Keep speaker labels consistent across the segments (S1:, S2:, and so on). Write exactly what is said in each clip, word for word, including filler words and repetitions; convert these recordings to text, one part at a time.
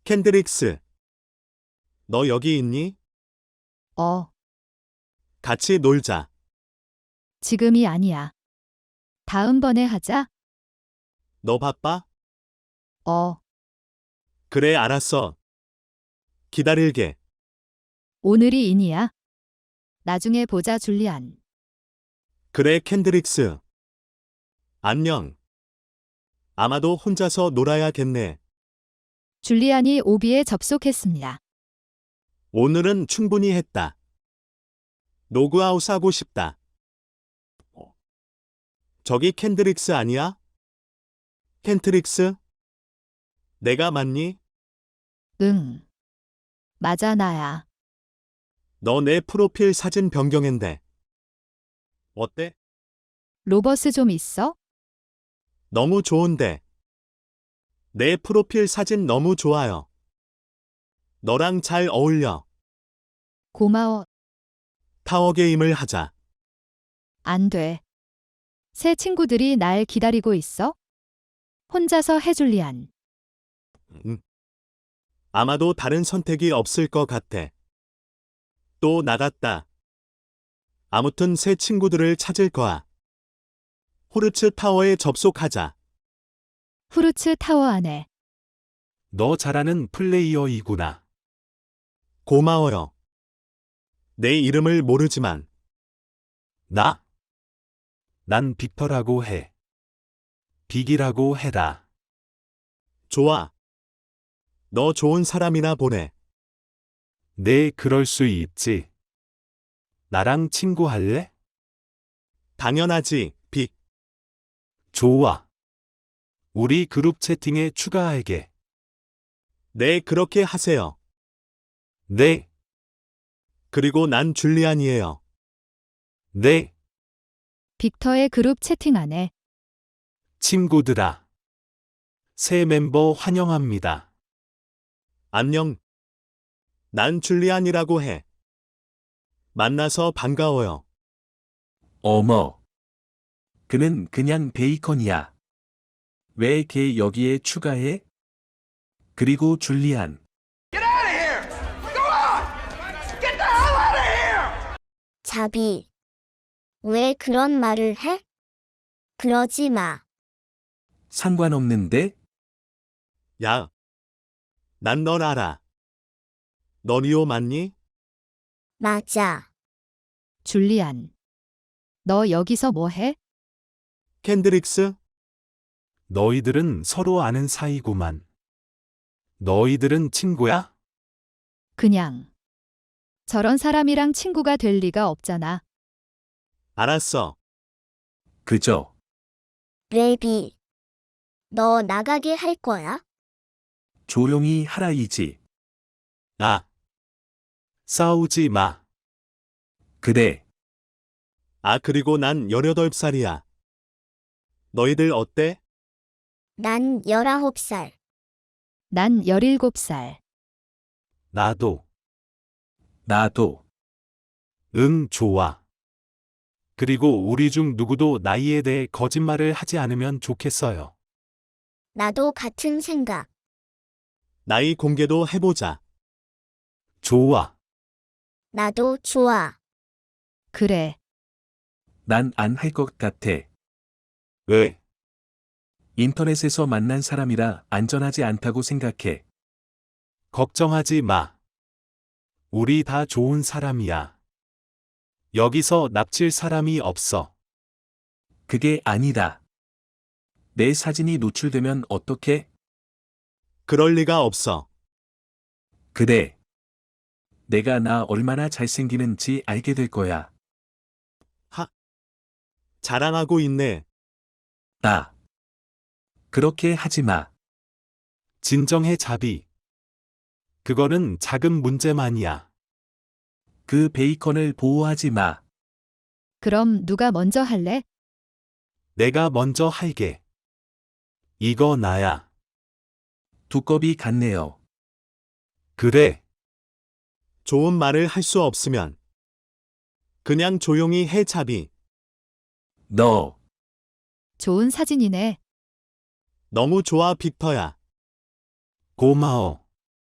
S1: 캔드릭스, 너 여기 있니?
S2: 어,
S1: 같이 놀자.
S2: 지금이 아니야. 다음번에 하자.
S1: 너 바빠?
S2: 어,
S1: 그래, 알았어. 기다릴게.
S2: 오늘이 인이야. 나중에 보자, 줄리안.
S1: 그래, 캔드릭스. 안녕. 아마도 혼자서 놀아야겠네.
S2: 줄리안이 오비에 접속했습니다.
S1: 오늘은 충분히 했다. 로그아웃 하고 싶다. 어. 저기 캔드릭스 아니야? 캔트릭스? 내가 맞니?
S2: 응. 맞아, 나야.
S1: 너 내 프로필 사진 변경했네. 어때?
S2: 로버스 좀 있어?
S1: 너무 좋은데. 내 프로필 사진 너무 좋아요. 너랑 잘 어울려.
S2: 고마워.
S1: 타워게임을 하자.
S2: 안 돼. 새 친구들이 날 기다리고 있어? 혼자서 해, 줄리안.
S1: 음. 아마도 다른 선택이 없을 것 같아. 또 나갔다. 아무튼 새 친구들을 찾을 거야. 호르츠 타워에 접속하자.
S2: 후르츠 타워 안에.
S1: 너 잘하는 플레이어이구나. 고마워요. 내 이름을 모르지만. 나? 난 빅터라고 해. 빅이라고 해라. 좋아. 너 좋은 사람이나 보네. 네, 그럴 수 있지. 나랑 친구할래? 당연하지, 빅. 좋아. 우리 그룹 채팅에 추가할게. 네, 그렇게 하세요. 네. 그리고 난 줄리안이에요. 네.
S2: 빅터의 그룹 채팅 안에.
S1: 친구들아. 새 멤버 환영합니다. 안녕. 난 줄리안이라고 해. 만나서 반가워요.
S3: 어머. 그는 그냥 베이컨이야. 왜 걔 여기에 추가해? 그리고 줄리안.
S4: 자비. 왜 그런 말을 해? 그러지 마.
S3: 상관없는데?
S1: 야. 난 널 알아. 너 리오 맞니?
S4: 맞아.
S2: 줄리안. 너 여기서 뭐 해?
S1: 캔드릭스? 너희들은 서로 아는 사이구만. 너희들은 친구야?
S2: 그냥. 저런 사람이랑 친구가 될 리가 없잖아.
S1: 알았어.
S3: 그죠?
S4: 레비. 너 나가게 할 거야?
S3: 조용히 하라이지.
S1: 아. 싸우지 마.
S3: 그래.
S1: 아, 그리고 난 열여덟 살이야. 너희들 어때?
S4: 난 열아홉 살.
S2: 난 열일곱 살.
S1: 나도.
S3: 나도.
S1: 응, 좋아. 그리고 우리 중 누구도 나이에 대해 거짓말을 하지 않으면 좋겠어요.
S4: 나도 같은 생각.
S1: 나이 공개도 해보자. 좋아.
S4: 나도 좋아.
S2: 그래.
S3: 난 안 할 것 같아.
S1: 왜?
S3: 인터넷에서 만난 사람이라 안전하지 않다고 생각해.
S1: 걱정하지 마. 우리 다 좋은 사람이야. 여기서 납칠 사람이 없어.
S3: 그게 아니다. 내 사진이 노출되면 어떡해?
S1: 그럴 리가 없어.
S3: 그래. 내가 나 얼마나 잘생기는지 알게 될 거야.
S1: 하. 자랑하고 있네.
S3: 나. 그렇게 하지 마.
S1: 진정해, 자비. 그거는 작은 문제만이야.
S3: 그 베이컨을 보호하지 마.
S2: 그럼 누가 먼저 할래?
S1: 내가 먼저 할게. 이거 나야.
S3: 두꺼비 같네요.
S1: 그래. 좋은 말을 할 수 없으면 그냥 조용히 해, 자비.
S3: 너.
S2: 좋은 사진이네.
S1: 너무 좋아, 빅터야. 고마워.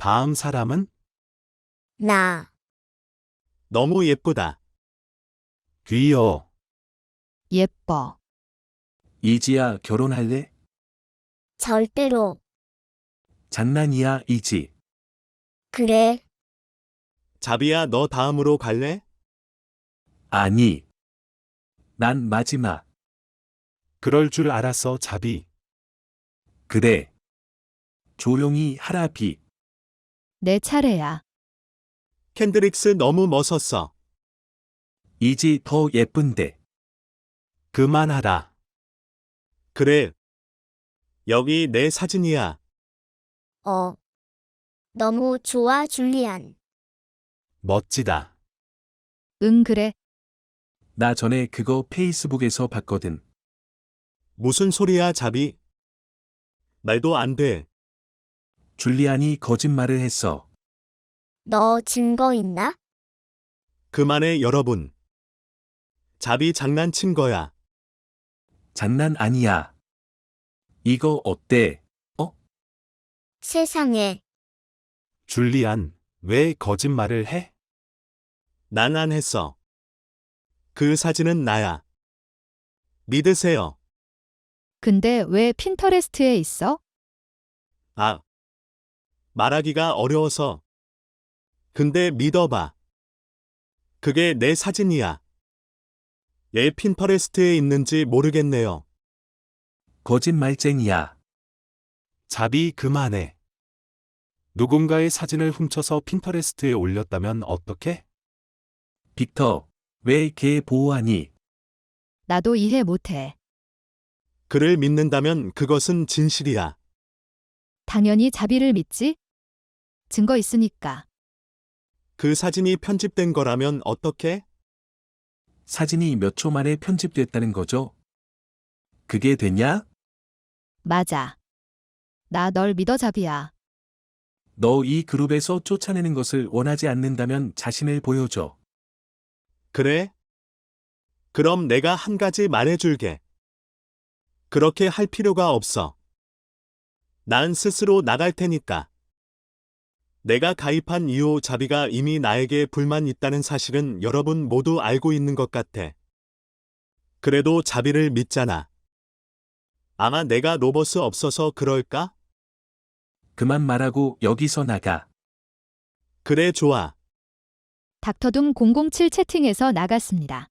S1: 다음 사람은?
S4: 나.
S1: 너무 예쁘다. 귀여워.
S2: 예뻐.
S3: 이지야, 결혼할래?
S4: 절대로.
S3: 장난이야, 이지.
S4: 그래.
S1: 자비야, 너 다음으로 갈래?
S3: 아니. 난 마지막.
S1: 그럴 줄 알았어, 자비.
S3: 그래. 조용히 하라, 비.
S2: 내 차례야.
S1: 캔드릭스 너무 멋었어.
S3: 이지 더 예쁜데.
S1: 그만하라. 그래. 여기 내 사진이야.
S4: 어. 너무 좋아, 줄리안.
S1: 멋지다.
S2: 응, 그래.
S3: 나 전에 그거 페이스북에서 봤거든.
S1: 무슨 소리야, 자비? 말도 안 돼.
S3: 줄리안이 거짓말을 했어.
S4: 너 증거 있나?
S1: 그만해, 여러분. 자비 장난친 거야.
S3: 장난 아니야. 이거 어때?
S4: 세상에.
S1: 줄리안, 왜 거짓말을 해? 난 안 했어. 그 사진은 나야. 믿으세요.
S2: 근데 왜 핀터레스트에 있어?
S1: 아. 말하기가 어려워서. 근데 믿어봐. 그게 내 사진이야. 얘 핀터레스트에 있는지 모르겠네요.
S3: 거짓말쟁이야.
S1: 자비 그만해. 누군가의 사진을 훔쳐서 핀터레스트에 올렸다면 어떡해?
S3: 빅터, 왜 걔 보호하니?
S2: 나도 이해 못해.
S1: 그를 믿는다면 그것은 진실이야.
S2: 당연히 자비를 믿지? 증거 있으니까.
S1: 그 사진이 편집된 거라면 어떡해?
S3: 사진이 몇 초 만에 편집됐다는 거죠? 그게 되냐?
S2: 맞아. 나 널 믿어, 자비야.
S3: 너 이 그룹에서 쫓아내는 것을 원하지 않는다면 자신을 보여줘.
S1: 그래? 그럼 내가 한 가지 말해줄게. 그렇게 할 필요가 없어. 난 스스로 나갈 테니까. 내가 가입한 이후 자비가 이미 나에게 불만 있다는 사실은 여러분 모두 알고 있는 것 같아. 그래도 자비를 믿잖아. 아마 내가 로버스 없어서 그럴까?
S3: 그만 말하고 여기서 나가.
S1: 그래, 좋아.
S2: 닥터둠 공공칠 채팅에서 나갔습니다.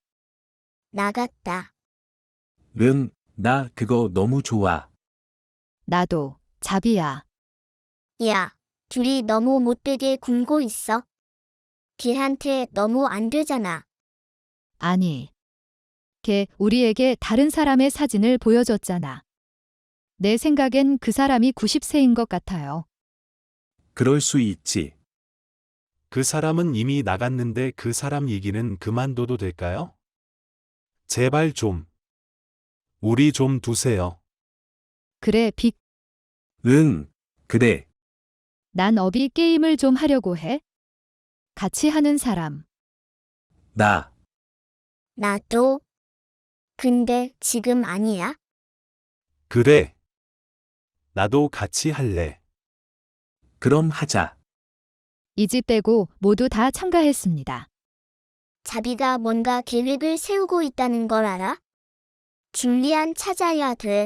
S4: 나갔다.
S3: 응, 나 그거 너무 좋아.
S2: 나도, 자비야.
S4: 야, 둘이 너무 못되게 굴고 있어. 걔한테 너무 안 되잖아.
S2: 아니. 걔 우리에게 다른 사람의 사진을 보여줬잖아. 내 생각엔 그 사람이 구십 세인 것 같아요.
S3: 그럴 수 있지.
S1: 그 사람은 이미 나갔는데 그 사람 얘기는 그만둬도 될까요? 제발 좀. 우리 좀 두세요.
S2: 그래, 빅.
S3: 응, 그래.
S2: 난 어비 게임을 좀 하려고 해. 같이 하는 사람.
S3: 나.
S4: 나도. 근데 지금 아니야?
S1: 그래. 나도 같이 할래.
S3: 그럼 하자.
S2: 이 집 빼고 모두 다 참가했습니다.
S4: 자비가 뭔가 계획을 세우고 있다는 걸 알아? 줄리안 찾아야 돼.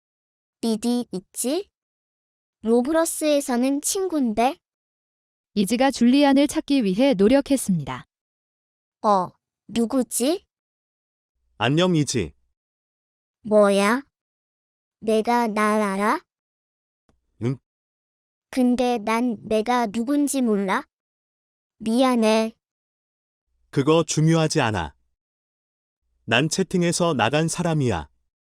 S4: 리디 있지? 로브러스에서는 친군데?
S2: 이지가 줄리안을 찾기 위해 노력했습니다.
S4: 어, 누구지?
S1: 안녕이지.
S4: 뭐야? 내가 날 알아?
S1: 응.
S4: 근데 난 내가 누군지 몰라? 미안해.
S1: 그거 중요하지 않아. 난 채팅에서 나간 사람이야.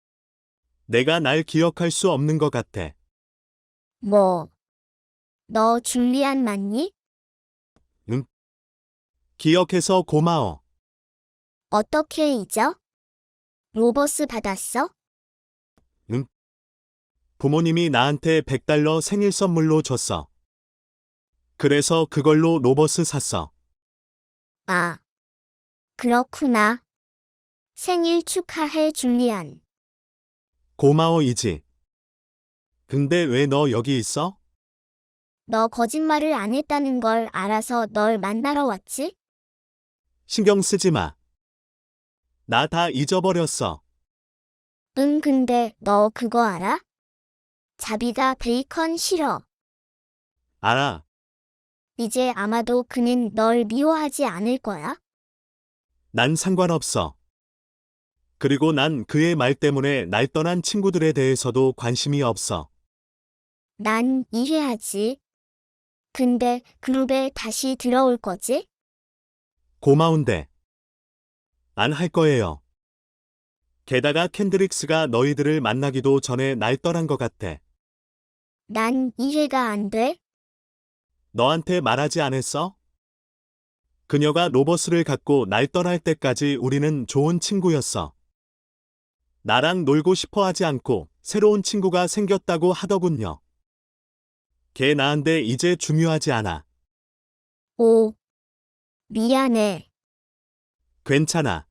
S1: 내가 날 기억할 수 없는 것 같아.
S4: 뭐? 너 줄리안 맞니?
S1: 기억해서 고마워.
S4: 어떻게 잊어? 로버스 받았어?
S1: 부모님이 나한테 백 달러 생일 선물로 줬어. 그래서 그걸로 로버스 샀어.
S4: 아, 그렇구나. 생일 축하해, 줄리안.
S1: 고마워, 이지. 근데 왜 너 여기 있어?
S4: 너 거짓말을 안 했다는 걸 알아서 널 만나러 왔지?
S1: 신경 쓰지 마. 나 다 잊어버렸어.
S4: 응, 근데 너 그거 알아? 자비가 베이컨 싫어.
S1: 알아.
S4: 이제 아마도 그는 널 미워하지 않을 거야?
S1: 난 상관없어. 그리고 난 그의 말 때문에 날 떠난 친구들에 대해서도 관심이 없어.
S4: 난 이해하지. 근데 그룹에 다시 들어올 거지?
S1: 고마운데. 안 할 거예요. 게다가 캔드릭스가 너희들을 만나기도 전에 날 떠난 것 같아.
S4: 난 이해가 안 돼.
S1: 너한테 말하지 않았어? 그녀가 로버스를 갖고 날 떠날 때까지 우리는 좋은 친구였어. 나랑 놀고 싶어 하지 않고 새로운 친구가 생겼다고 하더군요. 걔 나한테 이제 중요하지 않아.
S4: 오, 미안해.
S1: 괜찮아.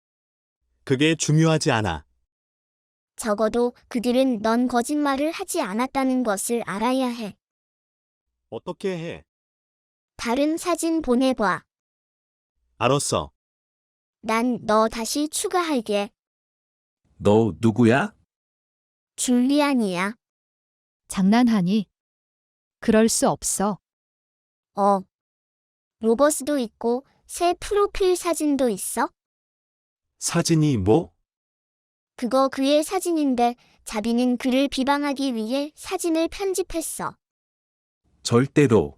S1: 그게 중요하지 않아.
S4: 적어도 그들은 넌 거짓말을 하지 않았다는 것을 알아야 해.
S1: 어떻게 해?
S4: 다른 사진 보내봐.
S1: 알았어.
S4: 난 너 다시 추가할게.
S3: 너 누구야?
S4: 줄리안이야.
S2: 장난하니? 그럴 수 없어.
S4: 어. 로버스도 있고 새 프로필 사진도 있어?
S1: 사진이 뭐?
S4: 그거 그의 사진인데 자비는 그를 비방하기 위해 사진을 편집했어.
S3: 절대로.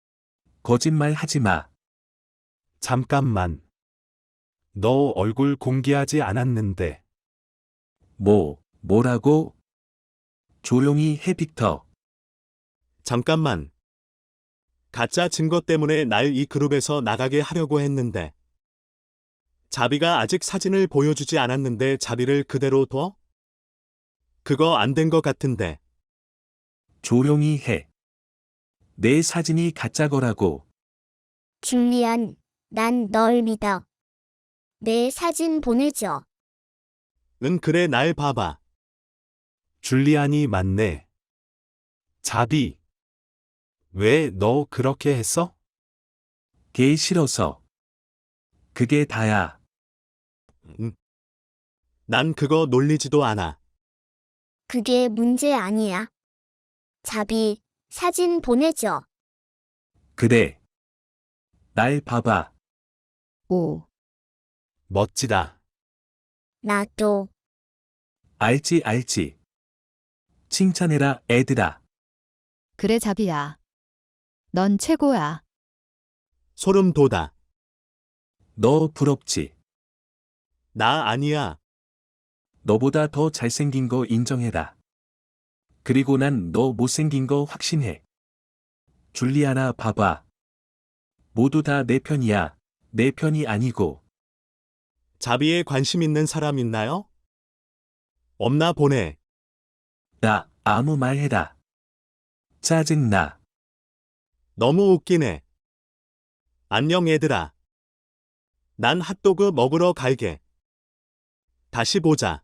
S3: 거짓말 하지 마.
S1: 잠깐만. 너 얼굴 공개하지 않았는데.
S3: 뭐, 뭐라고? 조용히 해, 빅터.
S1: 잠깐만. 가짜 증거 때문에 날 이 그룹에서 나가게 하려고 했는데. 자비가 아직 사진을 보여주지 않았는데 자비를 그대로 둬? 그거 안 된 것 같은데.
S3: 조용히 해. 내 사진이 가짜 거라고.
S4: 줄리안, 난 널 믿어. 내 사진 보내줘.
S1: 응, 그래, 날 봐봐. 줄리안이 맞네. 자비. 왜 너 그렇게 했어?
S3: 걔 싫어서. 그게 다야.
S1: 응. 난 그거 놀리지도 않아.
S4: 그게 문제 아니야. 자비, 사진 보내줘.
S3: 그래. 날 봐봐.
S2: 오,
S1: 멋지다.
S4: 나도.
S3: 알지, 알지. 칭찬해라, 애들아.
S2: 그래 자비야. 넌 최고야.
S1: 소름 돋아.
S3: 너 부럽지?
S1: 나 아니야.
S3: 너보다 더 잘생긴 거 인정해라. 그리고 난 너 못생긴 거 확신해. 줄리아나 봐봐. 모두 다 내 편이야. 내 편이 아니고.
S1: 자비에 관심 있는 사람 있나요? 없나 보네.
S3: 나 아무 말 해라. 짜증나.
S1: 너무 웃기네. 안녕 얘들아. 난 핫도그 먹으러 갈게. 다시 보자.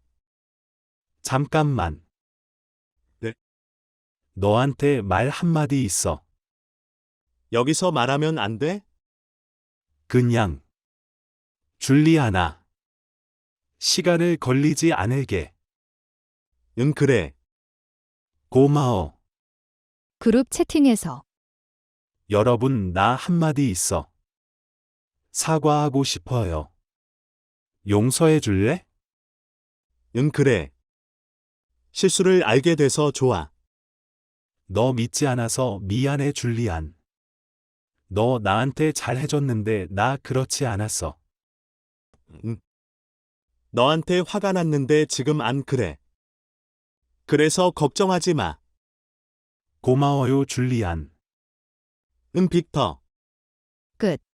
S1: 잠깐만. 네. 너한테 말 한마디 있어. 여기서 말하면 안 돼? 그냥. 줄리아나. 시간을 걸리지 않을게. 응, 그래. 고마워.
S2: 그룹 채팅에서
S1: 여러분, 나 한마디 있어. 사과하고 싶어요. 용서해 줄래? 응, 그래. 실수를 알게 돼서 좋아. 너 믿지 않아서 미안해, 줄리안. 너 나한테 잘해줬는데 나 그렇지 않았어. 응. 너한테 화가 났는데 지금 안 그래. 그래서 걱정하지 마. 고마워요, 줄리안. 응, 빅터.
S2: 끝.